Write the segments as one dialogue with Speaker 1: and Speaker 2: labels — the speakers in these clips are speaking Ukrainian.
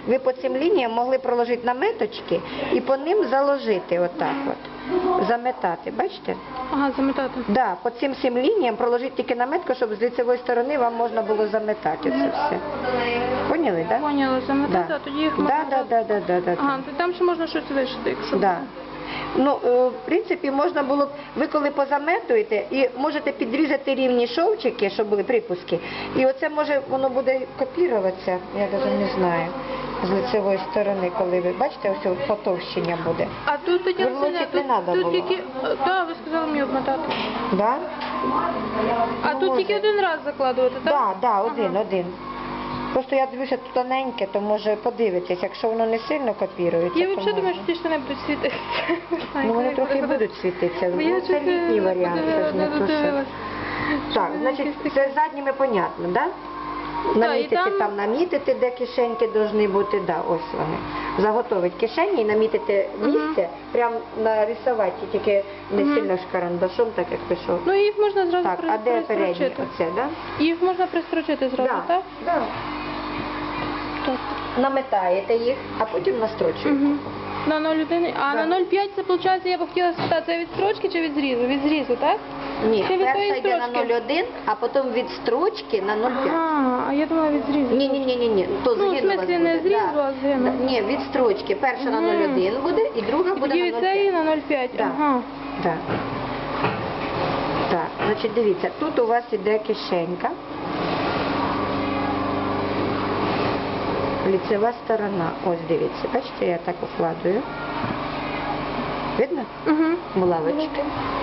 Speaker 1: ви по цим лініям могли проложити наметочки і по ним заложити отак от, заметати, бачите?
Speaker 2: Ага, заметати.
Speaker 1: Да, по цим 7 лініям проложити тільки наметку, щоб з лицевої сторони вам можна було заметати це все. Поняли, так? Да?
Speaker 2: Поняла, заметати,
Speaker 1: Да.
Speaker 2: а тоді їх можна...
Speaker 1: Да.
Speaker 2: Ага, то там ще можна щось вишити, якщо...
Speaker 1: Да. Ну, в принципі, можна було б, ви коли позаметуєте, і можете підрізати рівні шовчики, щоб були припуски, і оце може, воно буде копіруватися, я навіть не знаю, з лицевої сторони, коли ви, бачите, ось потовщення буде.
Speaker 2: А тут тоді
Speaker 1: Виворотити не треба
Speaker 2: тут
Speaker 1: було.
Speaker 2: тільки... Так, ви сказали мені обмотати.
Speaker 1: Да?
Speaker 2: А
Speaker 1: Ну,
Speaker 2: тут
Speaker 1: може.
Speaker 2: тільки один раз закладувати, так?
Speaker 1: Да, один. Просто я дивлюся тут тоненьке, то може подивитись, якщо воно не сильно копірується,
Speaker 2: Я
Speaker 1: то
Speaker 2: взагалі думаю,
Speaker 1: можна.
Speaker 2: що ті штани будуть світитися.
Speaker 1: Ну, вони трохи будуть світитися,
Speaker 2: Бо я
Speaker 1: ну, це
Speaker 2: щось
Speaker 1: літній варіант, це ж не то, що...
Speaker 2: додивилась.
Speaker 1: Так, значить, це з задніми понятно, да? Намітити,
Speaker 2: і там-
Speaker 1: там намітити, де кишеньки повинні бути, да, ось вони. Заготовити кишені і намітити місце, прям нарисувати, тільки не сильно ж карандашом, так як пішов.
Speaker 2: Ну, їх можна зразу
Speaker 1: Так, а де передні?
Speaker 2: пристрочити.
Speaker 1: Оце, да?
Speaker 2: Їх можна пристрочити зразу, так?
Speaker 1: Да.
Speaker 2: Так.
Speaker 1: Наметаєте їх, а потім настрочуєте.
Speaker 2: Мгм. На 0,1. А
Speaker 1: Да.
Speaker 2: на 0,5 це, виходить, я б хотіла спитати, це від строчки чи від зрізу? Від зрізу, так?
Speaker 1: Ні,
Speaker 2: Чи від
Speaker 1: перша
Speaker 2: тої
Speaker 1: йде на
Speaker 2: строчки?
Speaker 1: 0,1, а потім від строчки на 0,5.
Speaker 2: А я думала від зрізу.
Speaker 1: Ні, то
Speaker 2: Ну, в
Speaker 1: згину у вас
Speaker 2: смислі, не
Speaker 1: буде,
Speaker 2: зрізу,
Speaker 1: да.
Speaker 2: а згину.
Speaker 1: Ні, від строчки. Перша на 0,1 буде і друга буде
Speaker 2: Тоді
Speaker 1: на
Speaker 2: від
Speaker 1: 0,5.
Speaker 2: цієї на 0,5.
Speaker 1: Да.
Speaker 2: Ага.
Speaker 1: Так. Так, значить, дивіться, тут у вас іде кишенька. Ліцева сторона. Ось дивіться, бачите, я так укладую. Видно?
Speaker 2: Угу.
Speaker 1: Булавочки.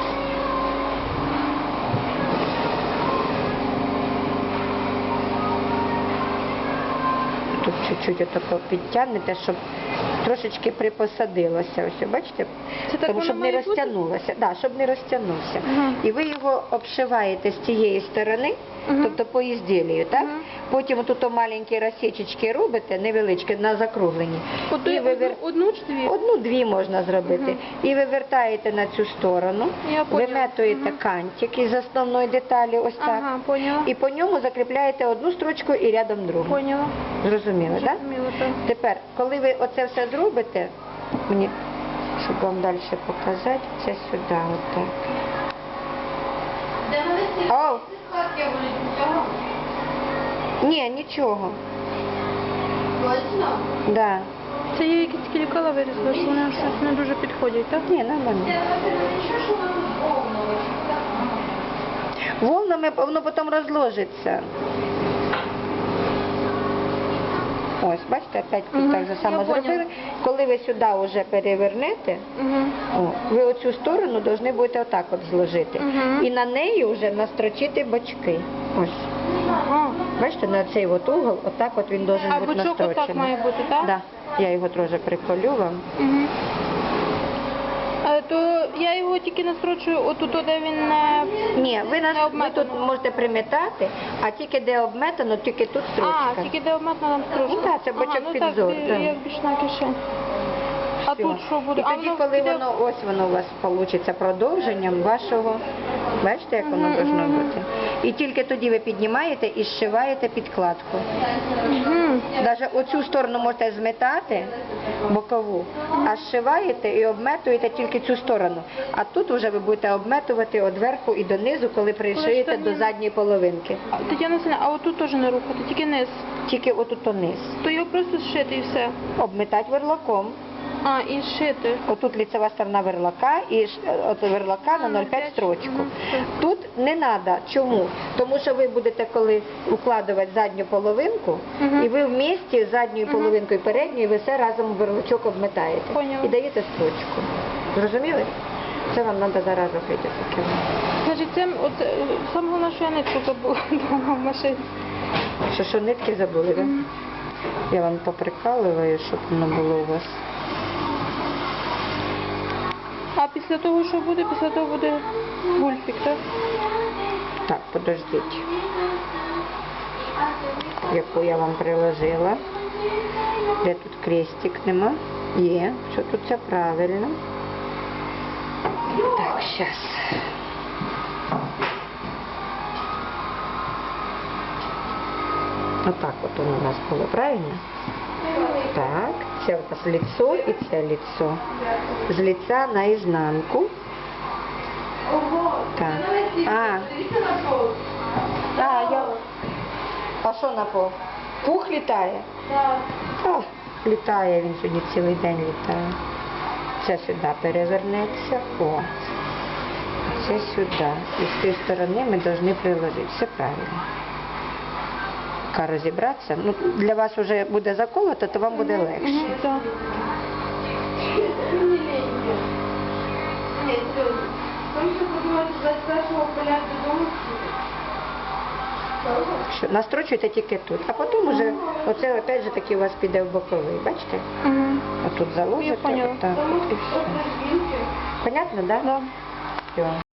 Speaker 1: Тут чуть-чуть отако підтягнете, щоб трошечки припосадилося. Ось, бачите?
Speaker 2: Це так
Speaker 1: Тому,
Speaker 2: воно
Speaker 1: щоб не
Speaker 2: має бути?
Speaker 1: розтягнулося. Да, щоб не розтягнувся.
Speaker 2: Ага.
Speaker 1: І ви його обшиваєте з тієї сторони,
Speaker 2: Мгм.
Speaker 1: тобто по ізділію, так?
Speaker 2: Мгм.
Speaker 1: Потім тут маленькі розсічечки робите, невеличкі, на закруглені. І
Speaker 2: Одну чи дві?
Speaker 1: Одну-дві можна зробити.
Speaker 2: Мгм.
Speaker 1: І вивертаєте на цю сторону,
Speaker 2: Я поняла.
Speaker 1: виметуєте
Speaker 2: Мгм.
Speaker 1: кантик із основної деталі, ось так.
Speaker 2: Ага, поняла.
Speaker 1: І по ньому закріпляєте одну строчку і рядом другу.
Speaker 2: Поняла.
Speaker 1: Зрозуміли, так?
Speaker 2: Зрозуміла, так.
Speaker 1: Тепер, коли ви оце все зробите, мені, щоб вам далі показати, це сюди, отак. Оу! Ні, нічого. Да.
Speaker 2: Це є якісь кількала вирізали, що вони щось не дуже підходять, так?
Speaker 1: Ні, нормально. Волнами воно потім розложиться. Ось, бачите, опять тут
Speaker 2: Мгм,
Speaker 1: так же само
Speaker 2: я поняла.
Speaker 1: зробили. Коли ви сюди вже перевернете,
Speaker 2: Угу.
Speaker 1: ви оцю сторону повинні будете отак от зложити.
Speaker 2: Мгм.
Speaker 1: І на неї вже настрочити бочки. Ось.
Speaker 2: Ага.
Speaker 1: Бачите, на цей от угол, отак от він должен
Speaker 2: А
Speaker 1: бути
Speaker 2: бочок
Speaker 1: настрочений.
Speaker 2: отак має бути, так?
Speaker 1: Да. Я його трошки приколю вам.
Speaker 2: Угу. То я його тільки настрочую отут, де він не...
Speaker 1: Ні, ви тут
Speaker 2: обметано.
Speaker 1: можете приметати, а тільки де обметано, тільки тут строчка.
Speaker 2: А, тільки де обметно там строчка.
Speaker 1: Ну, так, це бочок
Speaker 2: ну,
Speaker 1: підзор,
Speaker 2: Так,
Speaker 1: так.
Speaker 2: як бічна кишень. А
Speaker 1: Все.
Speaker 2: тут що буде?
Speaker 1: І тоді,
Speaker 2: воно
Speaker 1: коли
Speaker 2: піде-
Speaker 1: воно, ось воно у вас вийде продовженням вашого, бачите, як воно повинно бути. І тільки тоді ви піднімаєте і зшиваєте підкладку.
Speaker 2: Мгм.
Speaker 1: Навіть оцю сторону можете зметати, бокову, а зшиваєте і обметуєте тільки цю сторону. А тут вже ви будете обметувати від верху і донизу, коли пришиєте
Speaker 2: штанини.
Speaker 1: до задньої половинки.
Speaker 2: Тетяна Васильівна, а отут теж не рухати, тільки низ.
Speaker 1: Тільки отут низ.
Speaker 2: То його просто зшити і все.
Speaker 1: Обметати верлаком.
Speaker 2: А, і зшити.
Speaker 1: Отут лицева сторона верлака і от верлака на 0,5 строчку.
Speaker 2: Мгм.
Speaker 1: Тут не треба. Чому? Тому що ви будете коли укладувати задню половинку,
Speaker 2: Мгм.
Speaker 1: і ви в місті з задньою половинкою і передньою, ви все разом в верлачок обметаєте.
Speaker 2: Поняла.
Speaker 1: І даєте строчку. Зрозуміли? Це вам треба зараз робити таке.
Speaker 2: Значить, це от, саме головне, що я нитку забула вдома в машині.
Speaker 1: Що нитки забули, так?
Speaker 2: Мгм.
Speaker 1: Я вам поприкалую, щоб воно було у вас.
Speaker 2: А після того, що буде? Після того буде гульфік, так?
Speaker 1: Так, подождіть. Яку я вам приложила. Де тут крестик нема? Є. Що тут все правильно. Так, зараз. Отак от воно у нас було, правильно? Так, це у нас лицо і це лицо. З лиця на ізнанку. Так. А що на пол? Пух літає? Так. Літає він сьогодні цілий день літає. Це сюди перевернеться. О. Це сюди. І з тієї сторони ми повинні приложити. Все правильно. Поки розібратися. Ну, для вас вже буде заколото, то вам буде легше.
Speaker 2: Так.
Speaker 1: Що, настрочуйте тільки тут. А потім уже, оце опять же таки у вас піде в боковий. Бачите? Отут
Speaker 2: Я
Speaker 1: заложите.
Speaker 2: поняла.
Speaker 1: Отак. От і все. Понятно, так? Да?
Speaker 2: Да.
Speaker 1: Все.